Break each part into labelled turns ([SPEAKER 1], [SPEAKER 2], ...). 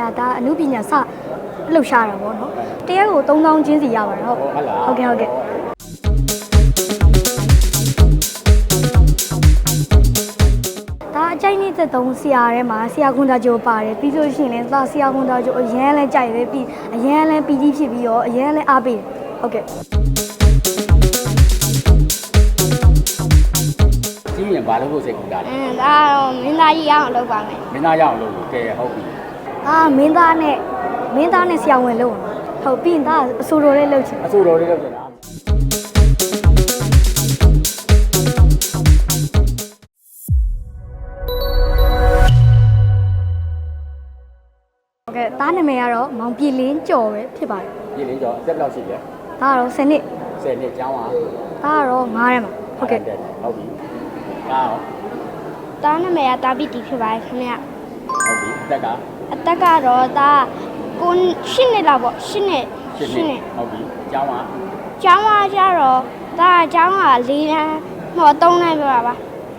[SPEAKER 1] ကဒါအမှုပညာစလှုပ်ရှားတာပေါ့နော်တရက်ကို3000ချင်းစီရပါတယ်ဟုတ်ဟုတ်ကဲ့ဒါအကြိုက်နေတဲ့3ဆရာထဲမှာဆရာခွန်သားကျိုးပါတယ်ပြီးလို့ရှိရင်လည်းဆရာခွန်သားကျိုးအရန်လဲကြိုက်တယ်ပြီးအရန်လဲပီတိဖြစ်ပြီးတော့အရန်လဲအားပေးတယ်ဟုတ်ကဲ့
[SPEAKER 2] ကြီးရင်ဘာလို့ဖို့စိတ်ကူတာလဲ
[SPEAKER 3] ဒါတော့မင်းသားကြီးရအောင်လုပ်ပါမယ်
[SPEAKER 2] မင်းသားရအောင်လုပ်လို့ကဲဟုတ်ပြီ
[SPEAKER 1] မင်းသားနဲ့ဆရာဝန်လုပ်ဟုတ်ပြီးရင်ဒါအဆိုတော်လေးလုပ်ချင်
[SPEAKER 2] အဆိုတော်လေးလုပ်ချင်တာ
[SPEAKER 1] ဟုတ်ကဲ့ဒါနာမည်ကတော့မောင်ပြည်လင်းကျော်ပဲဖြစ်ပါတယ်
[SPEAKER 2] ပြည်လင်းကျော်အသက်ဘယ်လောက်ရှိလဲ
[SPEAKER 1] ဒါကတော့10နှစ်
[SPEAKER 2] ကျောင်းပါ
[SPEAKER 1] ဒါကတော့9ထဲမှာဟုတ်ကဲ့
[SPEAKER 2] ဟုတ်ပြီဒါရော
[SPEAKER 3] တာနာမည်ကတာပီတီဖြစ်ပါတယ်ခင်ဗျ
[SPEAKER 2] ဟုတ်ပြီအသက်
[SPEAKER 3] ကတော့ဒါ9နှစ်လောက်ပေါ့10နှစ်
[SPEAKER 2] ဟုတ်ပြီကျောင်းက
[SPEAKER 3] ကျတော့ဒါကျောင်းက4တန်းဟော3တန်းပြပါပါ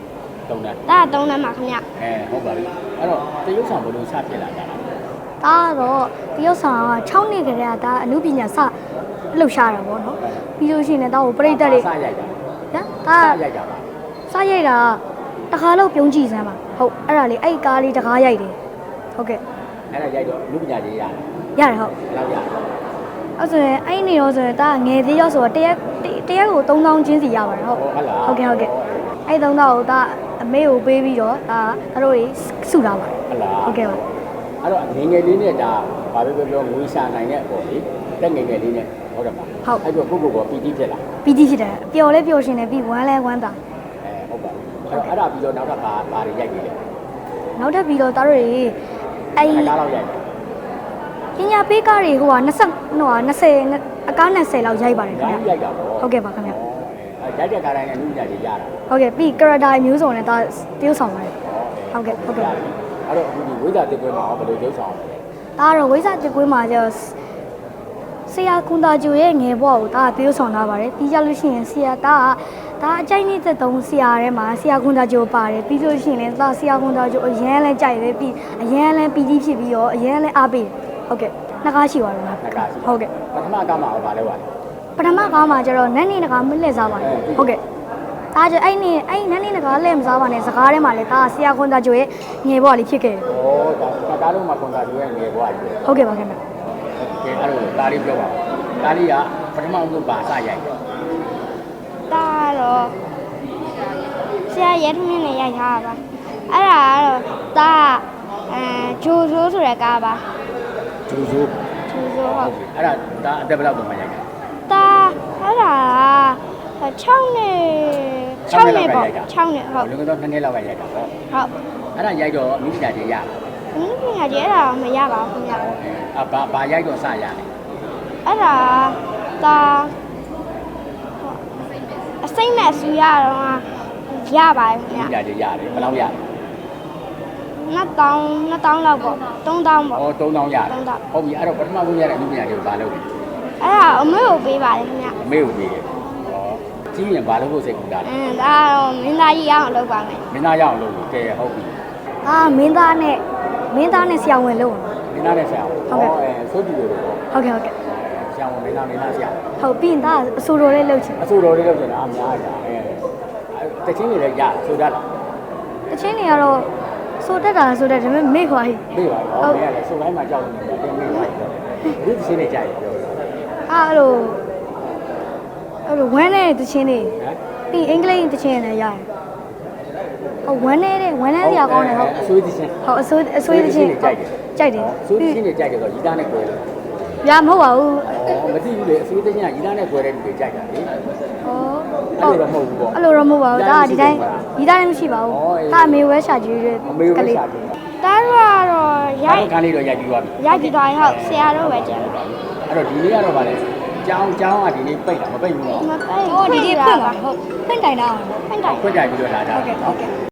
[SPEAKER 2] 3တန်း
[SPEAKER 3] ဒါ3တန်းပါခင်ဗျ
[SPEAKER 2] ဟုတ်ပါပြီအဲ့တော့တရုတ်ဆောင်ဘယ်လိုစဖြစ်လာကြတာ
[SPEAKER 1] ဒါကတော့တရုတ်ဆောင်က6နှစ်ကတည်းကဒါအမှုပညာစလှုပ်ရှားတာပေါ့နော်ပြီးလို့ရှိရင်လည်းဒါကိုပြိတ္တတွေ
[SPEAKER 2] စရိုက်တာ
[SPEAKER 1] ဒါ
[SPEAKER 2] ရိုက်တာပါ
[SPEAKER 1] စရိုက်တာတခါလို့ပြုံးကြည့်စမ်းပါဟုတ်အဲ့ဒါလေးအဲ့ကားလေးတကားရိုက်တယ်ဟုတ်ကဲ့
[SPEAKER 2] အဲ့ဒါရိုက်တော့လူပညာရေးရတယ်
[SPEAKER 1] ဟုတ်
[SPEAKER 2] လောက်ရတယ်
[SPEAKER 1] အဲ့ဆိုရင်အဲ့နေရောဆိုရင်ဒါငယ်သေးရောဆိုတော့တရက်ကို3000ချင်းစီရပါတယ်ဟုတ်ကဲ့အဲ့3000ကိုဒါအမေကိုပေးပြီးတော့ဒါတို့တွေစုတာပါဟုတ်ကဲ့ပါ
[SPEAKER 2] အဲ့တော့ငယ်ငယ်လေးနဲ့ဒါဘာပဲပြောငွေရှာနိုင်တဲ့အပေါ်လေတက်ငယ်ငယ်လေးနဲ့ဟုတ်တယ်ပါအဲ့တော့ကိုကပီတိဖြစ်လာ
[SPEAKER 1] ပီတိဖြစ်တယ်ပျော်လဲပျော်ရှင်တယ်ပြီးဝမ်းလဲဝမ်းသာ
[SPEAKER 2] ဟုတ်ပါအဲ့ဒါပြီးတော့နောက်ထပ်ဘာတွေရိုက်နေလဲ
[SPEAKER 1] နောက်ထပ်ပြီးတော့ဒါတို့တွေ
[SPEAKER 2] အဲ့ကားလောက်ရိုက်
[SPEAKER 1] ပညာပေးကားတွေ20အကား20လောက်ရိုက်ပါတယ်ခင်ဗျ
[SPEAKER 2] ရိုက်တာပေါ့
[SPEAKER 1] ဟုတ်ကဲ့ပါခင်ဗျ
[SPEAKER 2] ရိုက်တဲ့ကားတိုင်းနဲ့လူပညာရေးရတာ
[SPEAKER 1] ဟုတ်ကဲ့ပြီး character မျိုးစုံနဲ့ဒါတရုပ်ဆောင်ပါတယ်ဟုတ်ကဲ့
[SPEAKER 2] အဲ့တော့အခုဒီဝိဇ္ဇာတစ်ပွဲမှာဘယ်လိုတရုပ်ဆောင်လဲ
[SPEAKER 1] ဒါတော့ဝိဇ္ဇာတစ်ပွဲမှာကျတော့ဆရာခွန်သားကျိုးရဲ့ငယ်ဘဝကိုဒါတရုပ်ဆောင်လာပါတယ်ပြီးကြလို့ရှိရင်ဆရာဒါအကြိုက်နေတဲ့3ဆရာထဲမှာဆရာခွန်သားကျိုးပါတယ်ပြီးလို့ရှိရင်လည်းဆရာခွန်သားကျိုးအရန်လဲကြိုက်တယ်ပြီးအရန်လဲပီတိဖြစ်ပြီးတော့အရန်လဲအားပေးတယ်ဟုတ်ကဲ့နှစ်ကားရှိပါတယ်ဟုတ်ကဲ့
[SPEAKER 2] ပထမကားမှာဘာလဲပါလဲ
[SPEAKER 1] ပထမကားမှာကျတော့နန်းနေတကားမလှည့်စားပါနဲ့ဟုတ်ကဲ့ဒါကျအဲ့နန်းနေတကားလှည့်မစားပါနဲ့စကားထဲမှာလည်းဒါဆရာခွန်သားကျိုးရဲ့ငယ်ဘဝလေးဖြစ်ခဲ့တယ်
[SPEAKER 2] ဒါကားလုံးမှာခွန်သားကျိုးရဲ့ငယ်ဘဝကြီး
[SPEAKER 1] ဟုတ်ကဲ့ပါခင်ဗျ
[SPEAKER 2] ကဲအဲ့လိုဒါလေးပြောပါဒါလေးကပထမဆုံးဘာစရိုက်လဲ
[SPEAKER 3] ဒါတော့ဆရာရဲထမင်းနဲ့ရိုက်ထားတာပါအဲ့ဒါကတော့ဒါဂျိုဆိုးဆိုတဲ့ကားပါ
[SPEAKER 2] ဂျိုဆိုး
[SPEAKER 3] ဟုတ်
[SPEAKER 2] အဲ့ဒါအသက်ဘယ်လောက်ပုံမှန်ရိုက်လဲ
[SPEAKER 3] ဒါအဲ့ဒါ6နှစ်ပေါ့6နှစ်ဟုတ်
[SPEAKER 2] လူကတော့2နှစ်လောက်ကရိုက်တာပေါ့
[SPEAKER 3] ဟုတ်
[SPEAKER 2] အဲ့ဒါရိုက်တော့မိပညာကြီးရ
[SPEAKER 3] မိပညာကြီးအဲ့ဒါမရပါဘူးခင်ဗျ
[SPEAKER 2] ဘာရိုက်တော့စရတယ်
[SPEAKER 3] အဲ့ဒါအစိမ့်မဲ့ဆူရတော့ရပါတယ်ခင်ဗျ
[SPEAKER 2] မိပညာကြီးရတယ်ဘယ်လောက်ရလဲ
[SPEAKER 3] 2000လောက်ပေါ့3000ပေါ့
[SPEAKER 2] 3000ရတယ်ဟုတ်ပြီအဲ့တော့ပထမဆုံးရတဲ့မိပညာကြီးကိုဘာလုပ်လဲ
[SPEAKER 3] အဲ့ဒါအမေကိုပေးပါတယ်ခင်ဗျ
[SPEAKER 2] အမေကိုပေးတယ်ကြီးရင်ဘာလို့ဖို့စိတ်ကူတာလဲ
[SPEAKER 3] ဒါတော့မင်းသားကြီးရအောင်လုပ်ပါမယ်
[SPEAKER 2] မင်းသားရအောင်လုပ်လို့ကဲဟုတ်ပြီ
[SPEAKER 1] မင်းသားနဲ့ဆရာဝန်လုပ်
[SPEAKER 2] မင်းသားနဲ့ဆရာဝန်ဟုတ်ကဲ့ဆိုးကြည့်လို့
[SPEAKER 1] ဟုတ်ကဲ့
[SPEAKER 2] ဆရာဝန်မင်းသားဆရာ
[SPEAKER 1] ဟုတ်ပြီးရင်ဒါအဆိုတော်လေးလုပ်ချင်
[SPEAKER 2] အဆိုတော်လေးလုပ်ချင်တာအများကြီးတချင်းတွေလည်းရဆိုတတ်လား
[SPEAKER 1] တချင်းတွေကတော့ဆိုတတ်တာဆိုတတ်ဒါပေမဲ့မေ့ခွာကြီး
[SPEAKER 2] မေ့ပါတော့မင်းကလည်းဆိုတိုင်းမှာကြောက်နေတယ်တင်မေ့ပါဘူးဒီတချင်းတွေကြိုက်ပြော
[SPEAKER 1] အဲ့လိုဝမ်းနဲ့တချင်းတွေပြီးအင်္ဂလိပ်တချင်းနဲ့ရတယ်ဟုတ်ဝမ်းနဲ့စရာကောင်းတယ်ဟုတ်
[SPEAKER 2] အဆွေးတချင်း
[SPEAKER 1] ဟုတ်အဆွေးတချင်းကြိုက်တယ်
[SPEAKER 2] အဆွေးတချင်းတွေကြိုက်တယ်ဆိုရီသားနဲ့꿰တယ်
[SPEAKER 1] ရမဟုတ်ပါဘူး
[SPEAKER 2] မသိဘူးလေအဆွေးတချင်းကရီသားနဲ့꿰တဲ့လူတွေကြိုက်တာလေအဲ့လိုတော့မဟုတ်ဘူးပေါ့
[SPEAKER 1] အဲ့လိုတော့မဟုတ်ပါဘူးဒါကဒီတိုင်းရီသားလည်းမရှိပါဘူးဒါအမေဝဲရှာကြည့်ရဲ
[SPEAKER 2] ကလေးဒါ
[SPEAKER 3] တော့
[SPEAKER 2] ရိုက်ခန်းလေးတော့ရိုက်ပြီးသွားပြီ
[SPEAKER 3] ရိုက်ပြီးသွားရင်ဟုတ်ဆရာတို့ပဲကြံ
[SPEAKER 2] အဲ့တော့ဒီနေ့ကတော့ဗာလဲကျောင်းကဒီနေ့ပိတ်တာမပိတ်ဘူးနော်
[SPEAKER 3] မပိတ်
[SPEAKER 1] ဒီနေ့ဖွင့်ပါဟုတ်ဖွင့်တိုင်တာ
[SPEAKER 3] ဖွင့်တိုင်
[SPEAKER 2] ပြီးတော့လာတာ
[SPEAKER 1] ဟုတ်ကဲ့